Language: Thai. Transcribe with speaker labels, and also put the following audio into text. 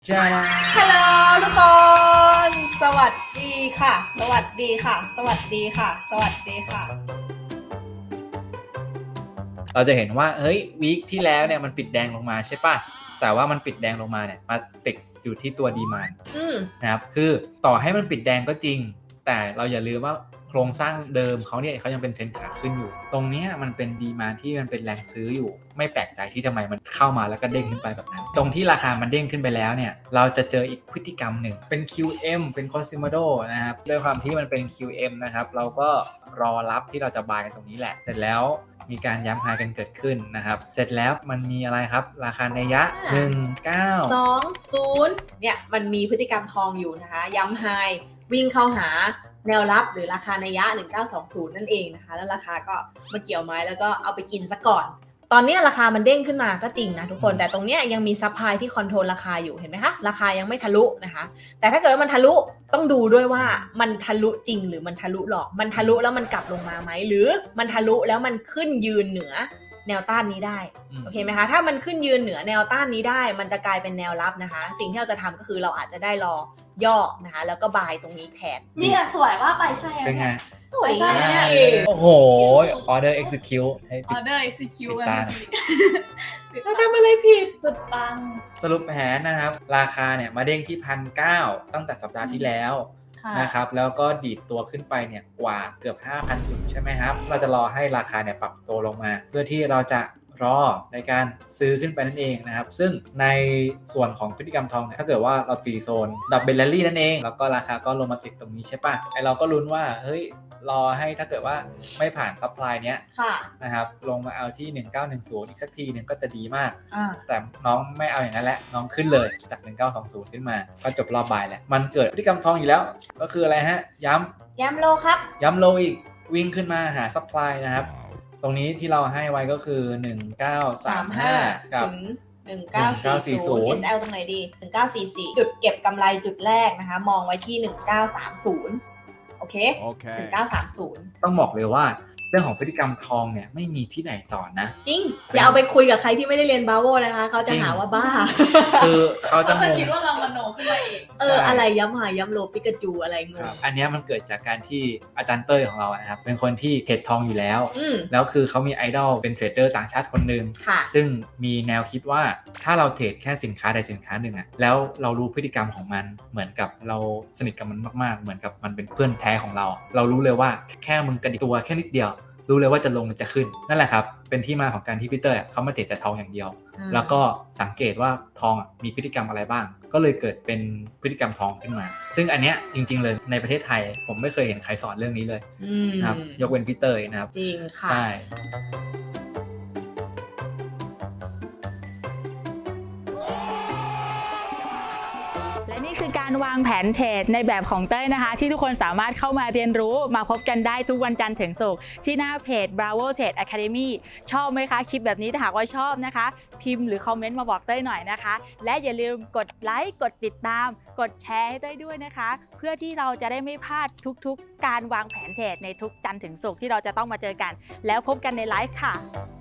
Speaker 1: จ้า
Speaker 2: ฮัลโหลทุกคน สวัสดีค่ะ สวัสดีค่ะ สวัสดีค่ะ สวัสดีค่ะ
Speaker 1: เราจะเห็นว่าเฮ้ยวีคที่แล้วเนี่ยมันปิดแดงลงมาใช่ป่ะแต่ว่ามันปิดแดงลงมาเนี่ยมาติดอยู่ที่ตัวดีมานด์นะครับคือต่อให้มันปิดแดงก็จริงแต่เราอย่าลืมว่าโครงสร้างเดิมเขาเนี่ยเขายังเป็นเทรนขาขึ้นอยู่ตรงนี้มันเป็นดีมานด์ที่มันเป็นแรงซื้ออยู่ไม่แปลกใจที่ทำไมมันเข้ามาแล้วก็เด้งขึ้นไปแบบนั้นตรงที่ราคามันเด้งขึ้นไปแล้วเนี่ยเราจะเจออีกพฤติกรรมหนึ่งเป็น QM เป็น Cosimodo นะครับด้วยความที่มันเป็น QM นะครับเราก็รอรับที่เราจะบายกันตรงนี้แหละเสร็จแล้วมีการย้ำไฮกันเกิดขึ้นนะครับเสร็จแล้วมันมีอะไรครับราคานัยยะ
Speaker 2: 1920เนี่ยมันมีพฤติกรรมทองอยู่นะคะย้ำไฮวิ่งเข้าหาแนวรับหรือราคานัยยะ1920นั่นเองนะคะแล้วราคาก็มาเกี่ยวไม้แล้วก็เอาไปกินซะก่อนตอนนี้ราคามันเด้งขึ้นมาก็จริงนะทุกคนแต่ตรงนี้ยังมีซัพพลายที่คอนโทรลราคาอยู่เห็นไหมคะราคายังไม่ทะลุนะคะแต่ถ้าเกิดว่ามันทะลุต้องดูด้วยว่ามันทะลุจริงหรือมันทะลุหรอกมันทะลุแล้วมันกลับลงมาไหมหรือมันทะลุแล้วมันขึ้นยืนเหนือแนวต้านนี้ได้โอเคไหมคะถ้ามันขึ้นยืนเหนือแนวต้านนี้ได้มันจะกลายเป็นแนวรับนะคะสิ่งที่เราจะทำก็คือเราอาจจะได้รอย่อนะคะแล้วก็บายตรงนี้แทน
Speaker 3: นี่สวยว่าไปใช่
Speaker 1: เป็นไง
Speaker 2: สวย
Speaker 1: โอ้โห order execute ให้
Speaker 3: order execute
Speaker 1: ปิดตา
Speaker 2: เราทำอะไรผิด
Speaker 3: สุดปัง
Speaker 1: สรุปแผนนะครับราคาเนี่ยมาเด้งที่1,900ตั้งแต่สัปดาห์ที่แล้วนะครับแล้วก็ดีดตัวขึ้นไปเนี่ยกว่าเกือบ 5,000 จุดใช่ไหมครับเราจะรอให้ราคาเนี่ยปรับตัวลงมาเพื่อที่เราจะรอในการซื้อขึ้นไปนั่นเองนะครับซึ่งในส่วนของพฤติกรรมทองเนี่ยถ้าเกิดว่าเราตีโซนดับเบิลแรลลี่นั่นเองแล้วก็ราคาก็ลงมาติดตรงนี้ใช่ปะไอเราก็ลุ้นว่าเฮ้ยรอให้ถ้าเกิดว่าไม่ผ่านซัพพลายเนี้ยนะครับลงมาเอาที่1910อีกสักทีนึงก็จะดีมากแต่น้องไม่เอาอย่างนั้นแหละน้องขึ้นเลยจาก1920ขึ้นมาก็จบรอบบ่ายแหละมันเกิดพฤติกรรมทองอยู่แล้วก็คืออะไรฮะย้
Speaker 2: ำโลครับ
Speaker 1: ย้ำโลอีกวิ่งขึ้นมาหาซัพพลายนะครับตรงนี้ที่เราให้ไว้ก็คือ1935กับ
Speaker 2: 1940 SL ตรงไหนดี1944จุดเก็บกำไรจุดแรกนะคะมองไว้ที่1930โอเค1930
Speaker 1: ต้องบอกเลยว่าเรื่องของพฤติกรรมทองเนี่ยไม่มีที่ไหนสอนนะ
Speaker 2: จริงอย่าเอาไปคุยกับใครที่ไม่ได้เรียนบาโวนะคะเขาจะหาว่าบ้า
Speaker 1: คือเขาจะ
Speaker 3: คิดว่าเรามโนขึ้นมาเอง
Speaker 2: อะไรย้ำหาย้ำโลปิกาจูอะไรงง
Speaker 1: อันนี้มันเกิดจากการที่อาจารย์เต้ยของเรานะครับเป็นคนที่เทรดทองอยู่แล้วแล้วคือเขามีไอดอลเป็นเทรดเดอร์ต่างชาติคนหนึ่งซึ่งมีแนวคิดว่าถ้าเราเทรดแค่สินค้าใดสินค้าหนึ่งอะแล้วเรารู้พฤติกรรมของมันเหมือนกับเราสนิทกับมันมากๆเหมือนกับมันเป็นเพื่อนแท้ของเราเรารู้เลยว่าแค่มึงกระดิกตัวแค่นิดเดียวรู้เลยว่าจะลงหรือจะขึ้นนั่นแหละครับเป็นที่มาของการที่พีเตอร์เขามาเทรดแต่ทองอย่างเดียวแล้วก็สังเกตว่าทองมีพฤติกรรมอะไรบ้างก็เลยเกิดเป็นพฤติกรรมทองขึ้นมาซึ่งอันเนี้ยจริงๆเลยในประเทศไทยผมไม่เคยเห็นใครสอนเรื่องนี้เลยนะครับยกเว้นพีเตอร์นะครับ
Speaker 2: จริงค่ะ
Speaker 1: ใช่
Speaker 4: คือการวางแผนเทรดในแบบของเต้ยนะคะที่ทุกคนสามารถเข้ามาเรียนรู้มาพบกันได้ทุกวันจันทร์ถึงศุกร์ที่หน้าเพจ Bravo Trade Academy ชอบไหมคะคลิปแบบนี้ถ้าหากว่าชอบนะคะพิมพ์หรือคอมเมนต์มาบอกเต้ยหน่อยนะคะและอย่าลืมกดไลค์กดติดตามกดแชร์ให้เต้ยด้วยนะคะเพื่อที่เราจะได้ไม่พลาดทุกๆการวางแผนเทรดในทุกจันทร์ถึงศุกร์ที่เราจะต้องมาเจอกันแล้วพบกันในไลฟ์ค่ะ